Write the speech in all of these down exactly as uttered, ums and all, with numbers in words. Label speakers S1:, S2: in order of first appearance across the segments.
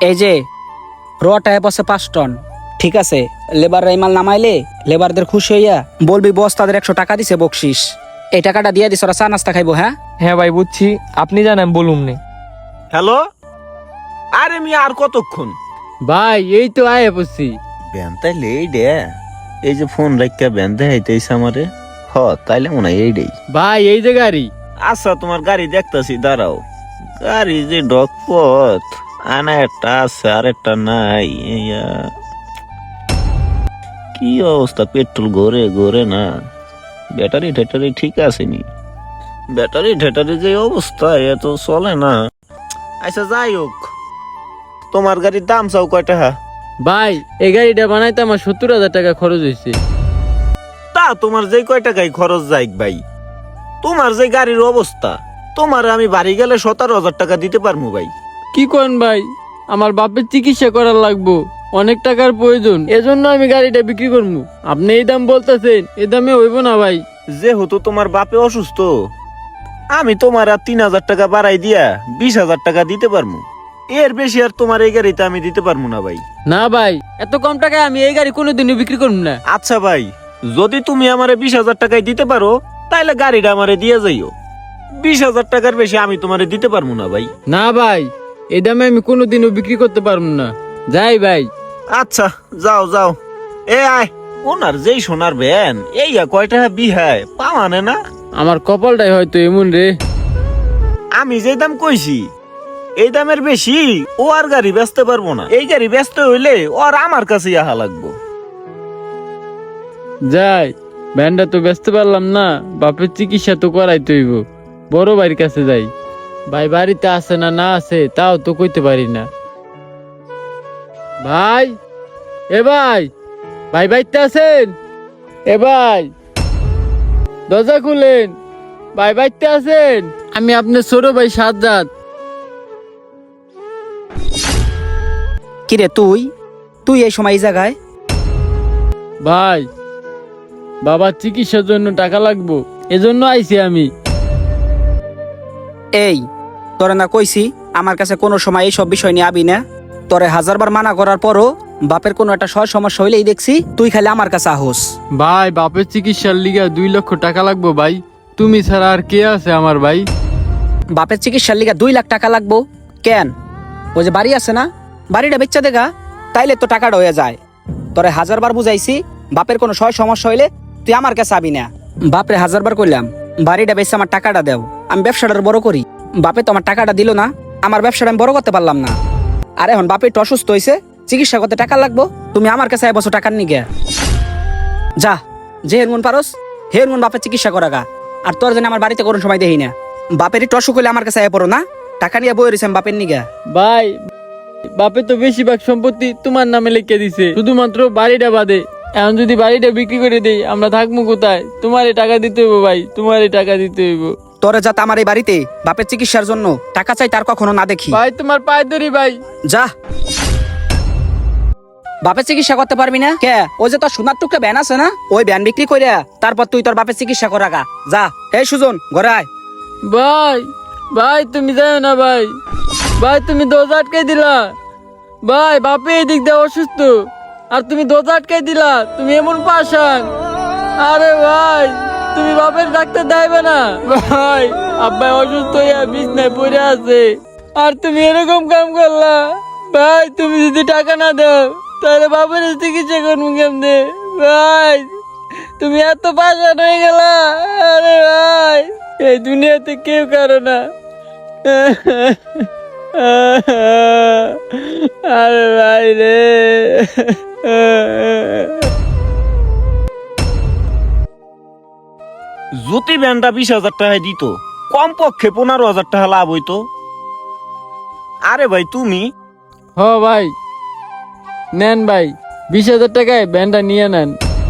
S1: এই যে রটায় বসে পাঁচ টন, ঠিক আছে? লেবার এই মাল নামাইলে লেবারদের খুশি হইয়া বলবি বস তাদের একশো টাকা দিছে বকশিস। এই টাকাটা দিয়ে দিস, ওরা চা নাস্তা খাইবো। হ্যাঁ
S2: হ্যাঁ ভাই বুঝছি, আপনি জানেন বলুন নে।
S3: হ্যালো, আরে মি আর কতক্ষণ?
S2: ভাই এই তো আয় বসছি।
S3: ব্যান তাইলে এই ডে, এই যে ফোন রাখা ব্যান দেখাইতেছে আমারে। হ তাইলে মনে হয় এইটাই।
S2: ভাই এই যে গাড়ি।
S3: আচ্ছা তোমার গাড়ি দেখতাছি, দাঁড়াও। গাড়ি যে ডকপথ, আনা একটা আছে আর একটা নাই। ইয়া, কি অবস্থা, পেট্রোল ঘরে ঘরে না। ব্যাটারি ঠেটারি ঠিক আছে নি? ব্যাটারি ঠেটারি যে অবস্থা, এ তো চলে না। আচ্ছা যাই হোক, তোমার গাড়ির দাম চাও কয় টাকা?
S2: ভাই এই গাড়িটা বানাইতে আমার সত্তর হাজার টাকা খরচ হয়েছে।
S3: তা তোমার যে কয় টাকায় খরচ যাই ভাই, তোমার যে গাড়ির অবস্থা, তোমার আমি বাড়ি গেলে সতেরো হাজার টাকা দিতে পারবো ভাই।
S2: কি করেন ভাই, আমার বাপের চিকিৎসা করার লাগবো, অনেক টাকার প্রয়োজন, এজন্য আমি গাড়িটা বিক্রি করবো। আপনি এই দাম বলতেছেন, এই দামে হইব না ভাই।
S3: যেহেতু তোমার বাপে অসুস্থ, আমি তোমার আর তিন হাজার টাকা বাড়াই দিয়া বিশ হাজার টাকা দিতে পারবো। এর বেশি আর তোমার এই গাড়িতে আমি দিতে পারবো না ভাই।
S2: না ভাই, এত কম টাকায় আমি এই গাড়ি কোনোদিনও বিক্রি করবো না।
S3: আচ্ছা ভাই, যদি তুমি আমারে বিশ হাজার টাকায় দিতে পারো, তাইলে গাড়িটা আমারে দিয়ে যাইও। বিশ হাজার টাকার বেশি আমি তোমারে দিতে পারবো না ভাই।
S2: না ভাই, এই দামে আমি কোনোদিনও বিক্রি করতে পারবো না। যাই ভাই।
S3: আচ্ছা যাও যাও। এ আয়, ওনার যেই সোনার ভ্যান, এই কয় টাকা বিহায় পাওয়ানে না।
S2: আমার কপালটাই হয়তো এমন রে।
S3: আমি যে দাম কইছি, এই দামের বেশি ও আর গাড়ি বেচতে পারবো না। এই গাড়ি বেচতে হইলে ওর আমার কাছে আহা লাগবো।
S2: যাই, ভ্যানটা তো বেচতে পারলাম না, বাপের চিকিৎসা তো করাইতে হইব। বড় ভাইয়ের কাছে যাই। ভাই বাড়িতে আছে না না আছে তাও তো কইতে পারি না। ভাই, এ ভাই, ভাই বাইতে আছেন? এ ভাই, দরজা খুলেন, ভাই বাইতে আছেন? আমি আপনার ছোট ভাই সাজ্জাদ।
S1: কিরে তুই তুই এই সময় এই জায়গায়?
S2: ভাই, বাবার চিকিৎসার জন্য টাকা লাগবো, এজন্য আইছি আমি।
S1: এই তোরে না কইছি আমার কাছে কোনো সময় এই সব বিষয় নিয়ে আবি না? তোরে হাজারবার মানা করার পরও বাপের কোনো একটা সয় সমস্যা হইলেই দেখছি তুই খালি আমার কাছে আহোস।
S2: ভাই বাপের চিকিৎসার লিগা দুই লক্ষ টাকা লাগবো ভাই, তুমি ছাড়া আর কে আছে আমার ভাই?
S1: বাপের চিকিৎসার লিগা দুই লাখ টাকা লাগবো কেন? ওই যে বাড়ি আছে না, বাড়িটা বেচা দেখা, তাইলে তো টাকাটা হয়ে যায়। তোরে হাজারবার বুঝাইছি বাপের কোনো সয় সমস্যা হইলে তুই আমার কাছে আবি না। বাপরে হাজারবার কইলাম বাড়িটা বেচে আমার টাকাটা দেও, আমি ব্যবসাটা বড় করি। বাপে তো আমার টাকাটা দিল না, আমার ব্যবসাটা আমি বড় করতে পারলাম না। আর এখন বাপে একটু অসুস্থ হয়েছে, চিকিৎসা করতে টাকা লাগবো, তুমি আমার কাছে এক বছর টাকার নিগে যা, যে হেরমন পারস হেরমন বাপের চিকিৎসা করা গা। আর তোর জন্য আমার বাড়িতে কোনো সময় দেখি না। বাপের একটু অসুখ হলে আমার কাছে আয় পড়ো না, টাকা নিয়ে বই রয়েছে বাপের নিগা।
S2: ভাই, বাপে তো বেশিরভাগ সম্পত্তি তোমার নামে লিখে দিছে, শুধুমাত্র বাড়িটা বাদে। এখন যদি বাড়িটা বিক্রি করে দেই, আমরা থাকবো কোথায়? তোমারই টাকা দিতে হইব ভাই, তোমারই টাকা দিতে হইব।
S1: তোরে যাতে আমার এই বাড়িতে বাপের চিকিৎসার জন্য টাকা চাই তার কখনো না দেখি।
S2: ভাই তোমার পায়ে ধরি ভাই।
S1: যা, বাপের চিকিৎসা করতে পারবি না কে? ওই যে তোর সোনার টুকরা ভ্যান আছে না, ওই ভ্যান বিক্রি করে তারপর তুই তোর বাপের চিকিৎসা করা গা। যা, এই সুজন ঘরে আয়।
S2: ভাই, ভাই তুমি যাও না ভাই, ভাই তুমি দরজা আটকাই দিলা। ভাই বাপে এই দিক দিয়ে অসুস্থ, আর তুমি দরজা আটকাই দিলা, তুমি এমন পাশান। আরে ভাই, তুমি বাপের ডাক্তার দেবে না? ভাই আব্বা অসুস্থ হইয়া বিছনায় পড়ে আছে, আর তুমি এরকম কাম করলা। ভাই তুমি যদি টাকা না দাও, তাহলে বাপের চিকিৎসা করবো কেমনে? ভাই তুমি এত পাশান হয়ে গেলা। আরে ভাই, এই দুনিয়াতে কেউ কারো না। আরে ভাই রে।
S3: যদি ব্যানটা বিশ হাজার টাকায় দিত, কম পক্ষে পনেরো হাজার টাকা লাভ হইতো। আরে ভাই তুমি
S2: হ ভাই, নেন ভাই, বিশ হাজার টাকায় ব্যানটা নিয়ে নেন।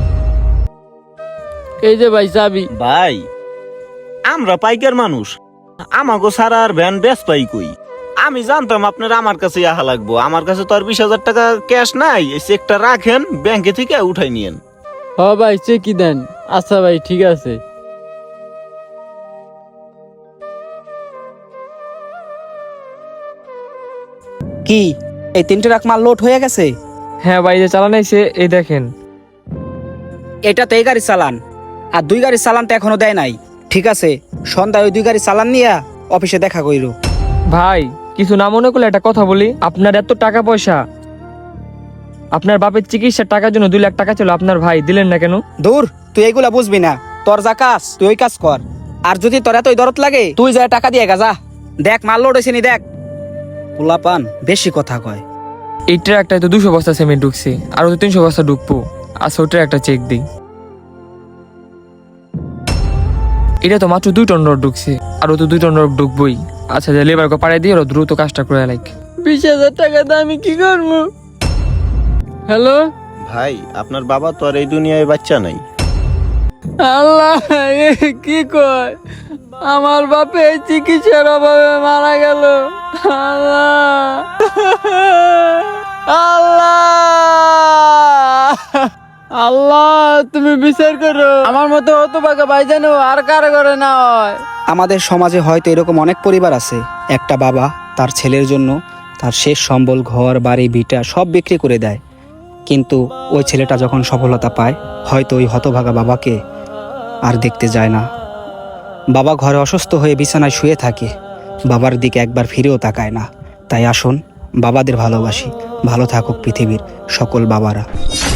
S2: এই যে ভাই চাবি।
S3: ভাই, আমরা পাইকার মানুষ, আমাগো সারা আর ভ্যান বেচ পাই কই? আমি জানতাম আপনার আমার কাছে আহা লাগবো। আমার কাছে তো আর বিশ হাজার টাকা ক্যাশ নাই, এই চেকটা রাখেন, ব্যাংকে থেকে উঠাই নিয়েন।
S2: হ ভাই, চেকি দেন। আচ্ছা ভাই, ঠিক আছে।
S1: কি এই তিনটে রাখ মাল লোড হয়ে গেছে।
S2: হ্যাঁ ভাই, যে চালান আইছে এই দেখেন।
S1: এটা তো এই গাড়ি চালান, আর দুই গাড়ির চালান তো এখনো দেয় নাই। ঠিক আছে, সন্ধ্যায় ওই দুই গাড়ি চালান নিয়া অফিসে দেখা কইরো।
S2: ভাই কিছু না মনে করলে একটা কথা বলি, আপনার এত টাকা পয়সা, আপনার বাপের চিকিৎসার টাকার জন্য দুই লাখ টাকা ছিল, আপনার ভাই দিলেন না কেন?
S1: দূর, তুই এইগুলা বুঝবি না। তোর যা কাজ তুই ওই কাজ কর। আর যদি তোর এতই দরদ লাগে তুই যা টাকা দিয়ে গা যা। দেখ মাল লোড হয়েছে নি, দেখ। পোলাপান বেশি কথা কয়।
S2: এই ট্রাকটায় তো দুশো বস্তা সিমেন্ট ঢুকছে, আরো তো তিনশো বস্তা ঢুকবো। আচ্ছা ওটা একটা চেক দিই। এটা তো মাত্র দুই টন রড ঢুকছে, আরো তো দুই টন রড ঢুকবই। আচ্ছা যে লেবারকে পাড়াই দিয়ে ওরা দ্রুত কাজটা করে লাইক। বিশ হাজার টাকা দিয়ে আমি কি করবো? হ্যালো
S3: ভাই, আপনার বাবা তো আর এই দুনিয়ায় বাচ্চা নাই।
S2: আল্লাহ, এ কি কয়? আমার বাপে চিকিৎসার অভাবে মারা গেল। আল্লাহ, আল্লাহ, আল্লাহ তুমি বিচার করো। আমার মতো হতো বাকা ভাই জানো আর কার করে না হয়।
S1: আমাদের সমাজে হয়তো এরকম অনেক পরিবার আছে, একটা বাবা তার ছেলের জন্য তার শেষ সম্বল, ঘর বাড়ি ভিটা সব বিক্রি করে দেয়। কিন্তু ওই ছেলেটা যখন সফলতা পায়, হয়তো ওই হতভাগা বাবাকে আর দেখতে যায় না। বাবা ঘরে অসুস্থ হয়ে বিছানায় শুয়ে থাকে, বাবার দিকে একবার ফিরেও তাকায় না। তাই আসুন বাবাদের ভালোবাসি। ভালো থাকুক পৃথিবীর সকল বাবারা।